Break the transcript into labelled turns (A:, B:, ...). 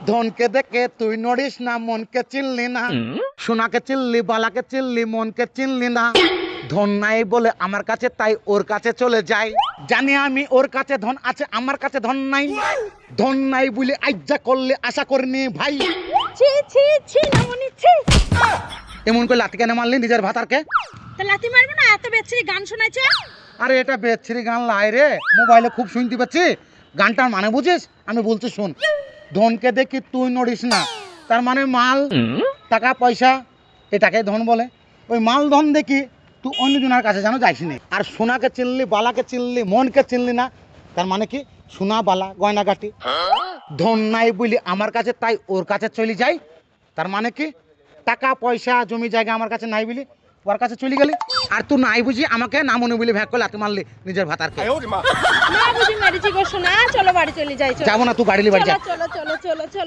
A: ধনকে দেখে তুই নড়িস না, মনকে চিনলি না। সোনাকে চিনলি, বালাকে চিনলি, মনকে চিনলি না। ধন নাই বলে আমার কাছে, তাই ওর কাছে চলে যাই। জানি আমি ওর কাছে ধন আছে, আমার কাছে ধন নাই। ধন নাই বলে আজ্জা করলে আশা করিনি ভাই।
B: ছি ছি ছি নামনি ছি।
A: এমন করে লাথি কেন মারলি নিজের ভাতারকে?
B: তা লাথি মারবে না, এত বেচ্ছিরি গান শোনাইছে।
A: আরে এটা বেচ্ছিরি গান লাই রে, মোবাইলে খুব শুনতে পাচ্ছি। গানটার মানে বুঝিস? আমি বলছি শোন। ধনকে দেখি তুই নড়িস না, তার মানে মাল, টাকা পয়সা, এটাকে ধন বলে। ওই মাল ধন দেখি তুই অন্যজনের কাছে যেন যাইস নি। আর সোনাকে চিনলি, বালাকে চিনলি, মনকে চিনলি না, তার মানে কি? সোনা, বালা, গয়নাগাটি। ধন নাই বলি আমার কাছে, তাই ওর কাছে চলে যাই, তার মানে কি? টাকা পয়সা জমি জায়গা আমার কাছে নাই বলি ওর কাছে চলে গেলি। আর তুই নাই বুঝি আমাকে না মনে বলি ভ্যাক করে লাথি মারলি নিজের ভাতারকে।
B: না বুঝি মেরেছি গো সোনা, চলো বাড়ি চলে যাই।
A: যাবো না, তুই গাড়ি নিয়ে বাড়ি যা।
B: চলো চলো চলো চলো চলো।